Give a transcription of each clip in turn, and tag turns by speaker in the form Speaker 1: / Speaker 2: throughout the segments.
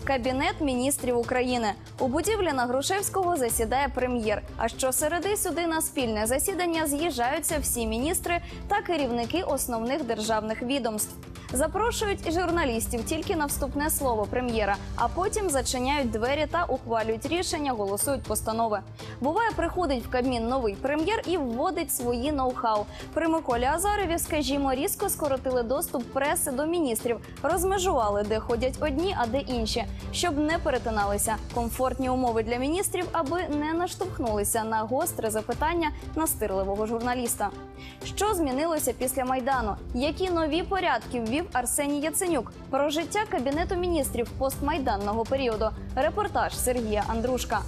Speaker 1: Кабінет міністрів України. У будівлі на Грушевського засідає прем'єр. А щосереди сюди на спільне засідання з'їжджаються всі міністри та керівники основних державних відомств. Запрошують і журналістів тільки на вступне слово прем'єра, а потім зачиняють двері та ухвалюють рішення, голосують постанови. Буває, приходить в Кабмін новий прем'єр і вводить свої ноу-хау. При Миколі Азарові, скажімо, різко скоротили доступ преси до міністрів, розмежували, де ходять одні, а де інші, щоб не перетиналися. Комфортні умови для міністрів, аби не наштовхнулися на гостре запитання настирливого журналіста. Що змінилося після Майдану? Які нові порядки ввів Арсеній Яценюк? Про життя Кабінету міністрів постмайданного періоду. Репортаж Сергія Андрушка.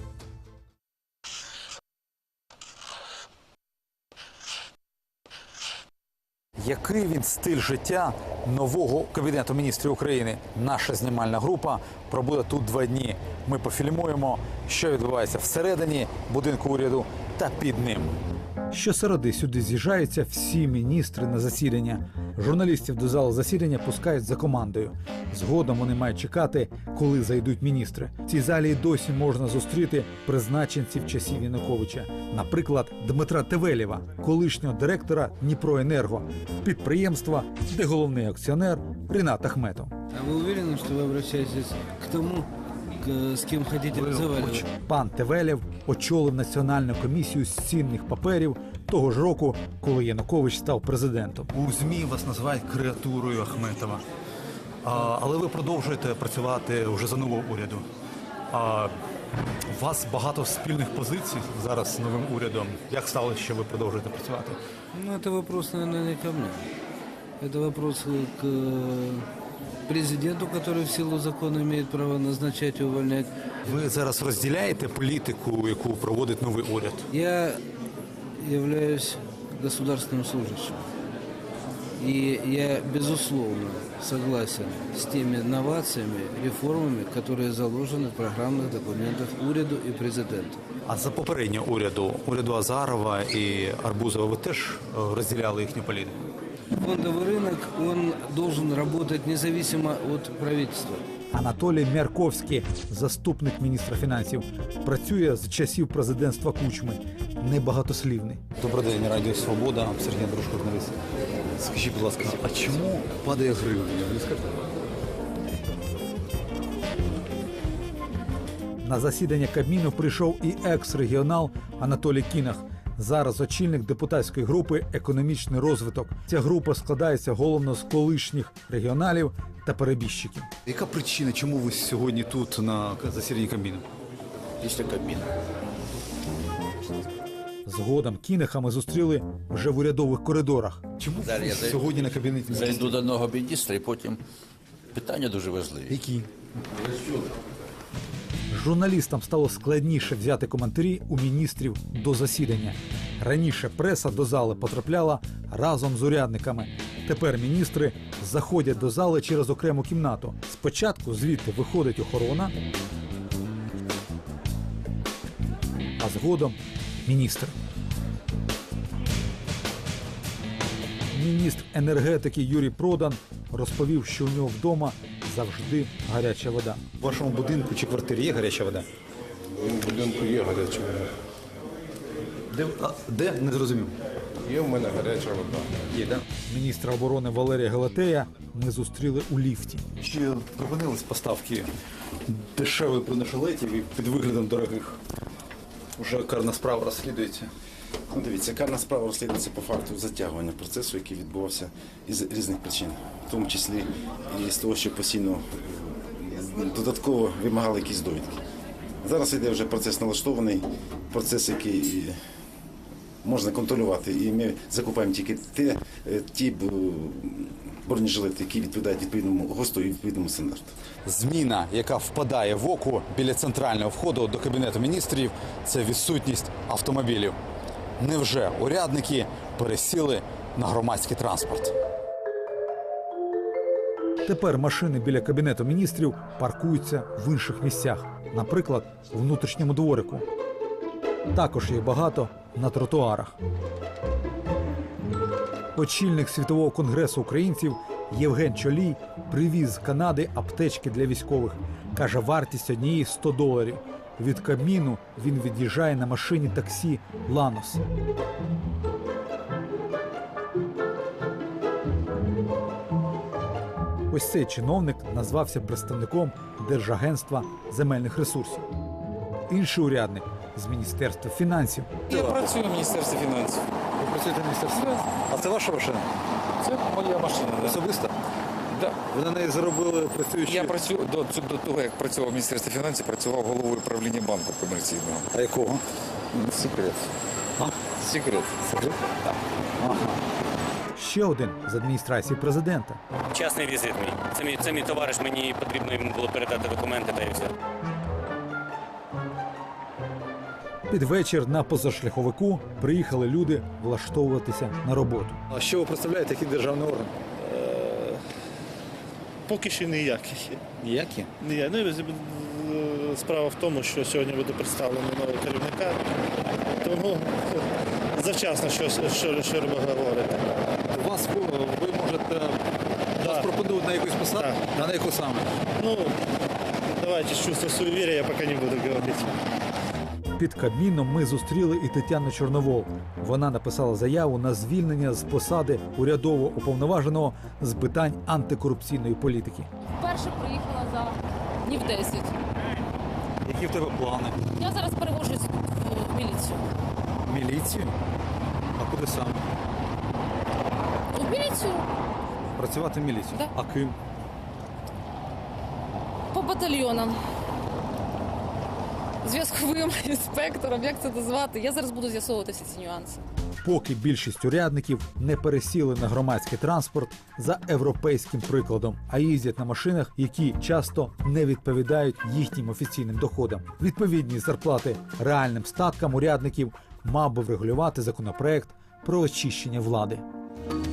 Speaker 2: Який він стиль життя нового Кабінету міністрів України? Наша знімальна група пробуде тут 2 дні. Ми пофільмуємо, що відбувається всередині будинку уряду та під ним. Щосереди сюди з'їжджаються всі міністри на засідання. Журналістів до залу засідання пускають за командою. Згодом вони мають чекати, коли зайдуть міністри. В цій залі й досі можна зустріти призначенців часів Януковича. Наприклад, Дмитра Тевелєва, колишнього директора Дніпроенерго, підприємства, де головний акціонер Рінат Ахметов.
Speaker 3: А ви уверені, що ви обращаєтесь к тому, з ким хочете розмовляти?
Speaker 2: Пан Тевелєв очолив Національну комісію з цінних паперів того ж року, коли Янукович став президентом. У ЗМІ вас називають креатурою Ахметова. Але ви продовжуєте працювати вже за нового уряду. У вас багато спільних позицій зараз з новим урядом. Як сталося, що ви продовжуєте працювати?
Speaker 3: Ну, это вопрос, наверное, не ко мне. Это вопрос к президенту, который в силу закона имеет право назначать и увольнять.
Speaker 2: Ви зараз розділяєте політику, яку проводить новий уряд?
Speaker 3: Я являюсь государственным служащим. И я, безусловно, согласен с теми новациями, реформами, которые заложены в программных документах уряду и президента.
Speaker 2: А за попереднього уряду Азарова і Арбузова, ви теж розділяли їхню політику?
Speaker 3: Фондовый рынок, он должен работать независимо от правительства.
Speaker 2: Анатолій Мярковський, заступник міністра фінансів, працює з часів президентства Кучми. Небагатослівний. Добрий день, Радіо Свобода, Сергій Андрушко, журналіст. Скажіть, будь ласка, а чому падає гривня? На засідання Кабміну прийшов і екс-регіонал Анатолій Кінах. Зараз очільник депутатської групи «Економічний розвиток». Ця група складається головно з колишніх регіоналів та перебіжчиків. Яка причина, чому ви сьогодні тут на засіданні Кабміну?
Speaker 4: Після Кабміну.
Speaker 2: Згодом Кінаха ми зустріли вже в урядових коридорах. Чому ви сьогодні на Кабінеті міністрів?
Speaker 4: Зайду до одного міністра і потім питання дуже важливі.
Speaker 2: Які? Журналістам стало складніше взяти коментарі у міністрів до засідання. Раніше преса до зали потрапляла разом з урядниками. Тепер міністри заходять до зали через окрему кімнату. Спочатку звідти виходить охорона, а згодом міністр. Міністр енергетики Юрій Продан розповів, що у нього вдома завжди гаряча вода. У вашому будинку чи квартирі є гаряча вода?
Speaker 5: У будинку є гаряча вода.
Speaker 2: Де? Не зрозумів.
Speaker 5: Є в мене гаряча вода.
Speaker 2: Є, да? Міністра оборони Валерія Галатея ми зустріли у ліфті. Чи припинились поставки дешевих бронежилетів і під виглядом дорогих? Уже карна справа розслідується.
Speaker 6: Ну, дивіться, карна справа розслідується по факту затягування процесу, який відбувався із різних причин, в тому числі і з того, що постійно додатково вимагали якісь довідки. Зараз йде вже процес налаштований, процес, який можна контролювати, і ми закупаємо тільки ті бронежилети, які відповідають відповідному ГОСТу і відповідному стандарту.
Speaker 2: Зміна, яка впадає в око біля центрального входу до Кабінету міністрів, це відсутність автомобілів. Невже урядники пересіли на громадський транспорт? Тепер машини біля Кабінету міністрів паркуються в інших місцях, наприклад, у внутрішньому дворику. Також їх багато на тротуарах. Очільник Світового конгресу українців Євген Чолій привіз з Канади аптечки для військових. Каже, вартість однієї $100. Від Кабміну він від'їжджає на машині таксі «Ланос». Ось цей чиновник назвався представником Держагентства земельних ресурсів. Інший урядник з Міністерства фінансів.
Speaker 7: Я працюю в Міністерстві фінансів.
Speaker 2: Ви працюєте в Міністерстві фінансів? А це ваша машина?
Speaker 7: Це моя машина. Да.
Speaker 2: Особиста?
Speaker 7: Да.
Speaker 2: Ви на неї заробили працюючи?
Speaker 7: Я працюю до того, як працював в Міністерстві фінансів, працював головою управління банку комерційного.
Speaker 2: А якого?
Speaker 7: Секрет. Секрет. Так.
Speaker 2: Ще один з адміністрації президента.
Speaker 8: Частний візит мій. Це мій товариш, мені потрібно йому було передати документи та і все.
Speaker 2: Під вечір на позашляховику приїхали люди влаштовуватися на роботу. А що ви представляєте, який державний орган?
Speaker 9: Поки що ніяких.
Speaker 2: Ніякі?
Speaker 9: Справа в тому, що сьогодні буде представлено нового керівника, тому завчасно що говорити.
Speaker 2: Вас ви можете вас пропонують на якусь посаду?
Speaker 9: Так.
Speaker 2: А на яку саме?
Speaker 9: Ну, давайте з чувства суеверия я поки не буду говорити.
Speaker 2: Під Кабміном ми зустріли і Тетяну Чорновол. Вона написала заяву на звільнення з посади урядового уповноваженого з питань антикорупційної політики.
Speaker 10: Вперше приїхала за днів 10.
Speaker 2: Які в тебе плани?
Speaker 10: Я зараз переводжусь в міліцію.
Speaker 2: Міліцію? А куди саме?
Speaker 10: В міліцію?
Speaker 2: Працювати в міліцію?
Speaker 10: Да.
Speaker 2: А ким?
Speaker 10: По батальйонам. Зв'язковим інспектором, як це назвати? Я зараз буду з'ясовувати всі ці нюанси.
Speaker 2: Поки більшість урядників не пересіли на громадський транспорт за європейським прикладом, а їздять на машинах, які часто не відповідають їхнім офіційним доходам. Відповідні зарплати реальним статкам урядників мав би врегулювати законопроект про очищення влади.